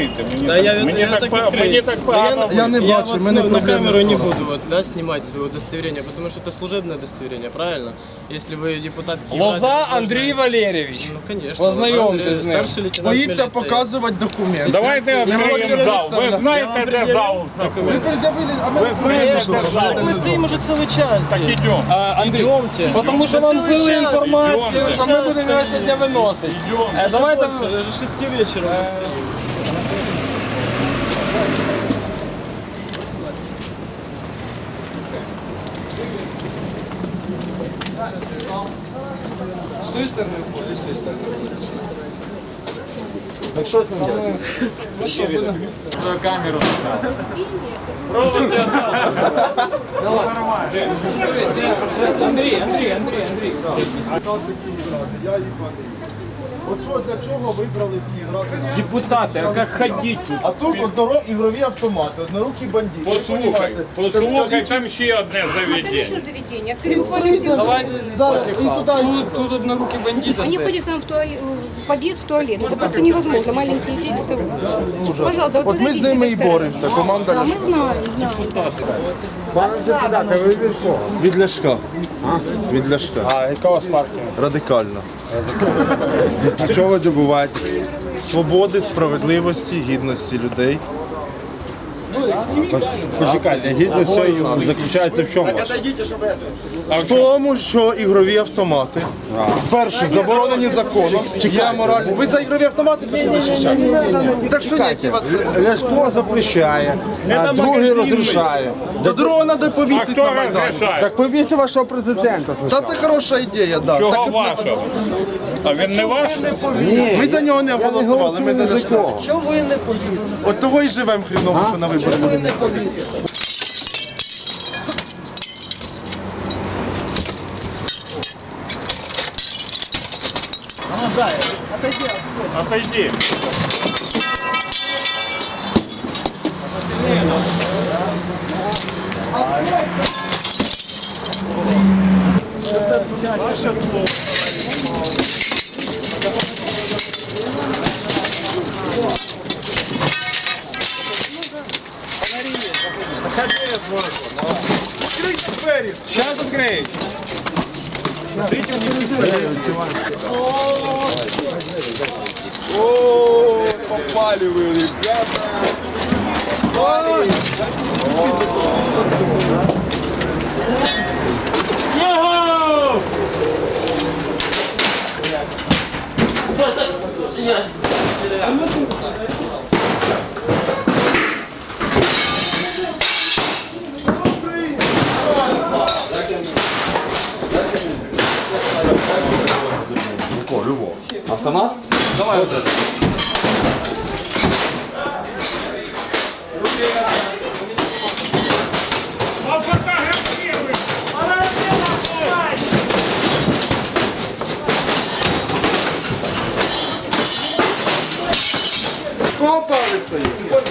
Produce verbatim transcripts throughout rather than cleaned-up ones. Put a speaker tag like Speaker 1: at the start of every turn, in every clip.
Speaker 1: фільмуєте? Мені
Speaker 2: Да,
Speaker 1: так,
Speaker 2: я,
Speaker 1: мені
Speaker 2: я
Speaker 1: так,
Speaker 2: так
Speaker 1: па-
Speaker 2: открою.
Speaker 1: мені так погано.
Speaker 3: Я не
Speaker 2: Я
Speaker 3: бачу,
Speaker 2: вот,
Speaker 3: в мене
Speaker 2: ну, на
Speaker 3: проблеми
Speaker 2: камеру
Speaker 3: з
Speaker 2: не
Speaker 3: зором.
Speaker 2: буду вот, да, снимать свое удостоверение, потому что это служебное удостоверение, правильно? Если вы депутат Киева...
Speaker 4: Лоза
Speaker 2: то должны-
Speaker 4: Андрій Валерійович.
Speaker 2: Ну, конечно.
Speaker 4: Познайомтесь
Speaker 2: Лоза
Speaker 4: з
Speaker 2: Андрей,
Speaker 4: ним.
Speaker 2: Старший лейтенант
Speaker 3: Боїться
Speaker 2: міліції.
Speaker 3: показувати документи.
Speaker 1: Давайте
Speaker 3: Не хоче
Speaker 1: відкриємо зал. Ви
Speaker 3: розставляти.
Speaker 1: знаєте, де зал
Speaker 3: Ви
Speaker 1: знаходиться?
Speaker 3: передавили, а ми
Speaker 1: Ви знаєте,
Speaker 3: пішли.
Speaker 1: де зал?
Speaker 2: Мы стоим уже целый час
Speaker 1: Так
Speaker 2: здесь.
Speaker 1: ідемо.
Speaker 4: А, Андрій,
Speaker 2: Идемте.
Speaker 4: тому що
Speaker 2: Да
Speaker 4: вам
Speaker 2: целый
Speaker 4: злили
Speaker 2: час.
Speaker 4: інформацію,
Speaker 1: Ідемте.
Speaker 4: що ми будемо його сьогодні виносити. Е, Давайте...
Speaker 2: Больше, даже шести вечера уже стоим.
Speaker 4: З тої сторони входить, з тої сторони. Так що з ним робити? Ну що, будемо?
Speaker 1: Камеру.
Speaker 4: Андрій, Андрій, Андрій, Андрій.
Speaker 3: Я їх От що, для чого вибрали в Київраду?
Speaker 1: Депутати, а як ходити тут?
Speaker 3: А тут одноро ігрові автомати, однорукі бандити.
Speaker 1: Послухай,
Speaker 3: Понімаєте?
Speaker 1: послухай, там ще одне
Speaker 5: Это
Speaker 1: заведення.
Speaker 5: личное заведение. Открыли буквально все.
Speaker 4: Давайте
Speaker 3: Зараз і туди.
Speaker 4: Тут, тут однорукі бандити
Speaker 5: Они
Speaker 4: стоять.
Speaker 5: ходят к нам в, туалет, в подъезд, в туалет. Это просто невозможно. Маленькие дети. Это... Пожалуйста, вот
Speaker 3: От ми з
Speaker 5: подойдите
Speaker 3: ними
Speaker 5: к
Speaker 3: і
Speaker 5: этой
Speaker 3: боремося,
Speaker 5: стороне.
Speaker 3: команда
Speaker 5: Да, мы
Speaker 3: Ляшка.
Speaker 5: знаем, знаем.
Speaker 3: Від Ляшка. Від Ляшка.
Speaker 6: А яка у вас партія?
Speaker 3: Радикально.
Speaker 6: А чого ви добуваєтесь?
Speaker 3: Свободи, справедливості, гідності людей.
Speaker 6: Почекайте, гідність цього заключається в чому?
Speaker 3: В тому, що ігрові автомати, перше, заборонені законом, є морально. Ви за ігрові автомати пішли захищати? Так що ні, які вас...
Speaker 6: Ляшко запрещає, а другий розрішає.
Speaker 3: До другого треба
Speaker 1: А
Speaker 3: повісити
Speaker 1: хто
Speaker 3: на Майдані.
Speaker 1: розрішає?
Speaker 6: Так повісти вашого президента
Speaker 3: Та
Speaker 6: спочатку.
Speaker 3: це хороша ідея, да.
Speaker 1: Чого
Speaker 3: Так,
Speaker 1: вашого? А він не ваш?
Speaker 3: ми за нього не голосували, ми за Ляшка.
Speaker 4: Що ви не повісите?
Speaker 3: От того і живемо хріново, що на вибори
Speaker 4: Ви
Speaker 3: будемо.
Speaker 4: не повісите.
Speaker 1: Отойди.
Speaker 4: Зараз відкриють.
Speaker 3: О, попали ви, ребята. Кого палиться є?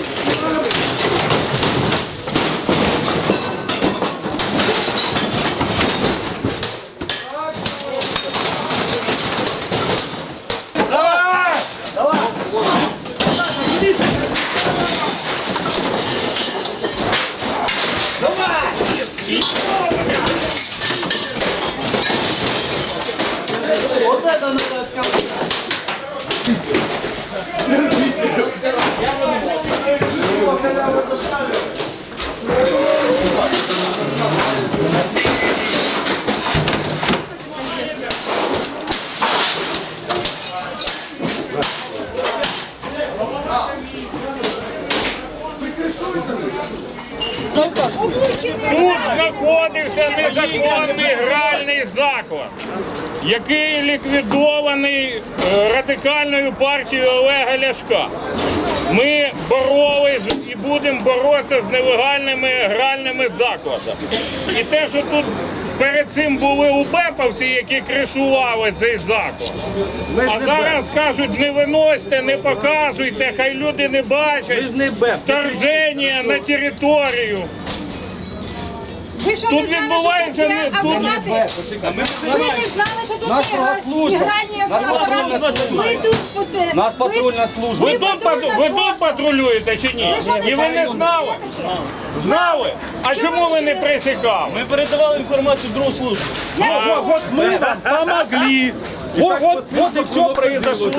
Speaker 1: Тут знаходився незаконний гральний заклад, який ліквідований е, радикальною партією Олега Ляшка. Ми боролись і будемо боротися з нелегальними гральними закладами. І те, що тут перед цим були убеповці, які кришували цей заклад. А зараз кажуть, не виносьте, не показуйте, хай люди не бачать вторження на територію.
Speaker 5: Ви що,
Speaker 1: Тут
Speaker 5: не знали,
Speaker 1: відбувається
Speaker 5: що
Speaker 1: не-
Speaker 5: тут є
Speaker 1: тут-
Speaker 5: автомати? Ви не знали, що тут є гра- гральні автомати? Ви тут фоте-
Speaker 7: Нас патрульна служба.
Speaker 1: Ви тут, патру- ви тут патрулюєте чи ні?
Speaker 5: Ви що, не
Speaker 1: І ви не
Speaker 5: знаєте,
Speaker 1: знали?
Speaker 5: що таке?
Speaker 1: Знали? А чому ви не присікали?
Speaker 2: Ми передавали інформацію в другу службу.
Speaker 5: Я-
Speaker 3: Вот мы вам помогли. Вот, вот, вот и все произошло.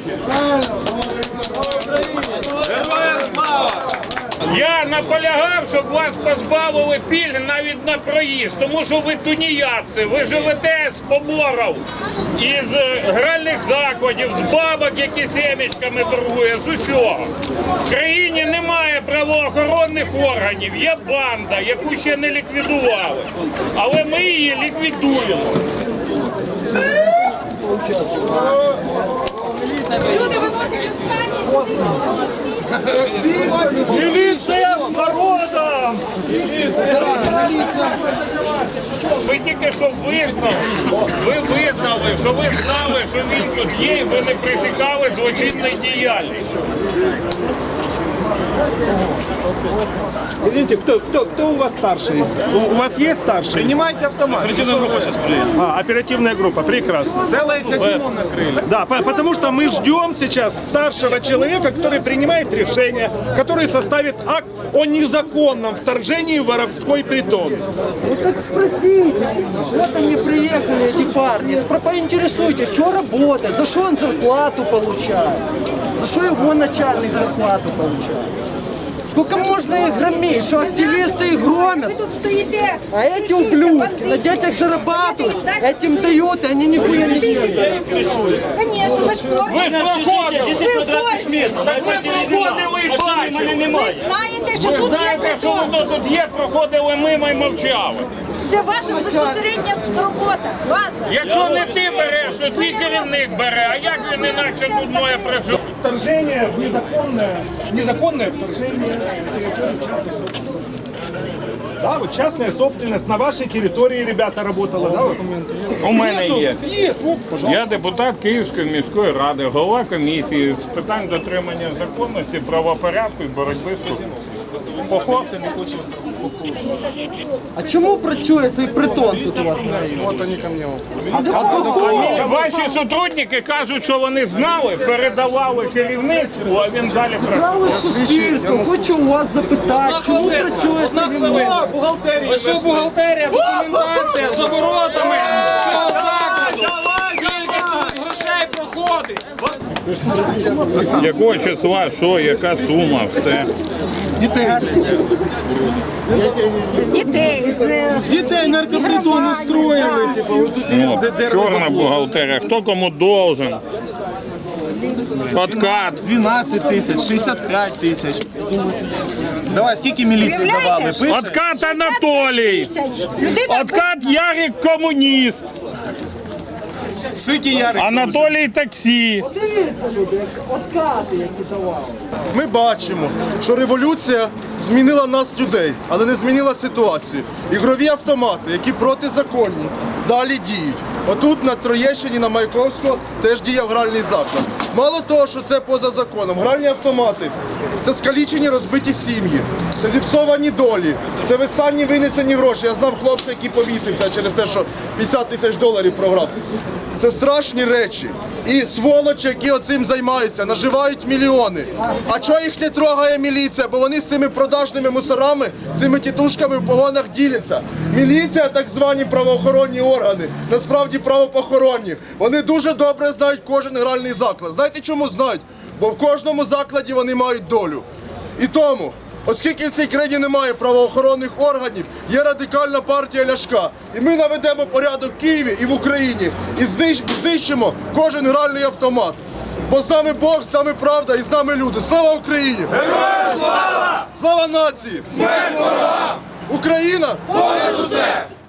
Speaker 1: Я наполягав, щоб вас позбавили пільг навіть на проїзд, тому що ви тунеядці, ви живете з поборів, із е, гральних закладів, з бабок, які семечками торгує, з усього. В країні немає правоохоронних органів, є банда, яку ще не ліквідували, але ми її ліквідуємо.
Speaker 5: Люди виносять останні.
Speaker 1: Міліція з народом! Ви тільки що визнали, ви визнали, що ви знали, що він тут є, і ви не присікали злочинної діяльності.
Speaker 6: Извините, кто, кто, кто у вас старший? У, у вас есть старший?
Speaker 3: Принимайте автомат.
Speaker 6: Оперативная группа сейчас приедет. А, оперативная группа, прекрасно.
Speaker 3: Целое казино накрыли.
Speaker 6: Да, по- потому что мы ждем сейчас старшего человека, который принимает решение, который составит акт о незаконном вторжении в воровской притон.
Speaker 4: Ну так спросите. Вот они приехали, эти парни. Спро- Поинтересуйтесь, что работает, за что он зарплату получает, за что его начальник зарплату получает. Сколько можно их громить, что активисты их
Speaker 5: Ви
Speaker 4: громят,
Speaker 5: тут стоїте.
Speaker 4: а эти ублюдки на детях зарабатывают, этим дают, и они нихуя не делают.
Speaker 5: Конечно, ви ж формі.
Speaker 1: Ви ж проходили!
Speaker 5: Ви в формі.
Speaker 1: Так ви проходили і бачили!
Speaker 5: Ви знаєте, що
Speaker 1: Ви
Speaker 5: тут є
Speaker 1: знаєте, що
Speaker 5: притон.
Speaker 1: воно тут є, проходили мимо і мовчали.
Speaker 5: Це ваша безпосередня робота. Ваша.
Speaker 1: Якщо не ти береш, то твій керівник бере, а як він інакше тут має працювати?
Speaker 3: Вторжение в незаконное, незаконное вторжение. Да, вот частная собственность на вашей территории, ребята, работала. Да, вот?
Speaker 1: У мене є.
Speaker 3: Есть, вот, пожалуйста.
Speaker 1: Я депутат Київської міської ради, голова комісії з питань дотримання законності, правопорядку і боротьби з корупцією. Похож?
Speaker 4: А чому працює цей притон тут у вас на районі?
Speaker 1: Ваші сотрудники кажуть, що вони знали, передавали керівництву, а він далі працює.
Speaker 4: Право суспільство, хочу у вас запитати, чому працює цей ремонт?
Speaker 2: Ось у бухгалтерія, документація з оборотами цього закладу. Скільки тут грошей проходить?
Speaker 1: Якого числа, що, яка сума, все.
Speaker 5: З дітей, з
Speaker 2: З дітей наркопритони строїли.
Speaker 1: Ну, чорна бухгалтерія, хто кому должен. Откат.
Speaker 7: дванадцять тисяч, шістдесят п'ять тисяч. Давай, скільки міліції давали?
Speaker 5: Уявляєте?
Speaker 7: Пише?
Speaker 1: Откат Анатолій.
Speaker 5: тисяч. Людина
Speaker 1: Откат Ярик комуніст.
Speaker 7: Скільки Ярик?
Speaker 1: Анатолій таксі.
Speaker 4: Дивіться, люди, як откати, які давали.
Speaker 3: Ми бачимо, що революція змінила нас, людей, але не змінила ситуацію. Ігрові автомати, які протизаконні, далі діють. Отут на Троєщині, на Маяковського, теж діяв гральний заклад. Мало того, що це поза законом, гральні автомати – це скалічені розбиті сім'ї, це зіпсовані долі, це вистанні винесені гроші. Я знав хлопця, який повісився через те, що п'ятдесят тисяч доларів програв. Це страшні речі. І сволочі, які оцим займаються, наживають мільйони. А чого їх не трогає міліція? Бо вони з цими продажними мусорами, з цими тітушками в погонах діляться. Міліція, так звані правоохоронні органи, насправді правопохоронні. Вони дуже добре знають кожен гральний заклад. Знаєте, чому знають? Бо в кожному закладі вони мають долю. І тому, оскільки в цій країні немає правоохоронних органів, є радикальна партія Ляшка. І ми наведемо порядок в Києві і в Україні. І знищ- знищимо кожен гральний автомат. Бо з нами Бог, з нами правда і з нами люди. Слава Україні! Героям слава! Слава нації! Смерть ворогам! Україна! Понад усе!